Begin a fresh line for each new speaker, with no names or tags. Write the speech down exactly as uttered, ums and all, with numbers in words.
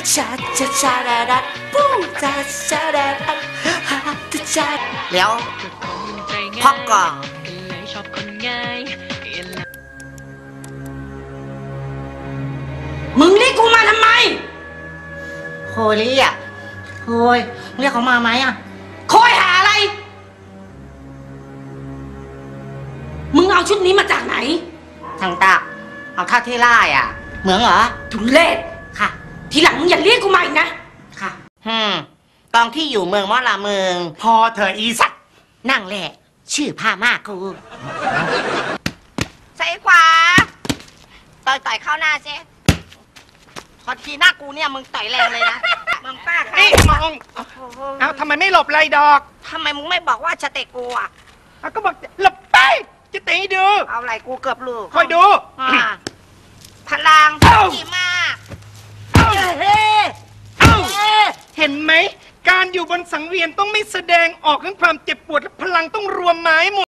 ชาชาชาดาดาปูชาชาดาดาฮาชาเดี๋ยวพักก่อนมึงเรียกกูมาทำไมโฮลี่อ่ะโฮยเรียกเขามาไหมอ่ะคอยหาอะไรมึงเอาชุดนี้มาจากไหนทางตาเอาท่าเทล่าอ่ะเหมืองเหรอทุเรศค่ะทีหลังมึงอย่าเรียกกูมาอีกนะค่ะฮึมตอนที่อยู่เมืองมอลาเมือง
พอเธออีสัตว์
นั่งแหละชื่อผ้ามากกูใส่ขวาต่อยต่อยเข้าหน้าเจ๊พอทีหน้ากูเนี่ยมึงต่อยแรงเลยนะมึงป้าค่ะ
นี่มองเอาทำไมไม่หลบไรดอก
ทำไมมึงไม่บอกว่าจะเตะกูอ่ะ
เอาก็บอกหลบไปจะเตะดู
เอาไหล่กูเกือบลูก
คอยดู
พลังดีมาก
เห็นไหมการอยู่บนสังเวียนต้องไม่แสดงออกถึงความเจ็บปวดและพลังต้องรวมไม้หมด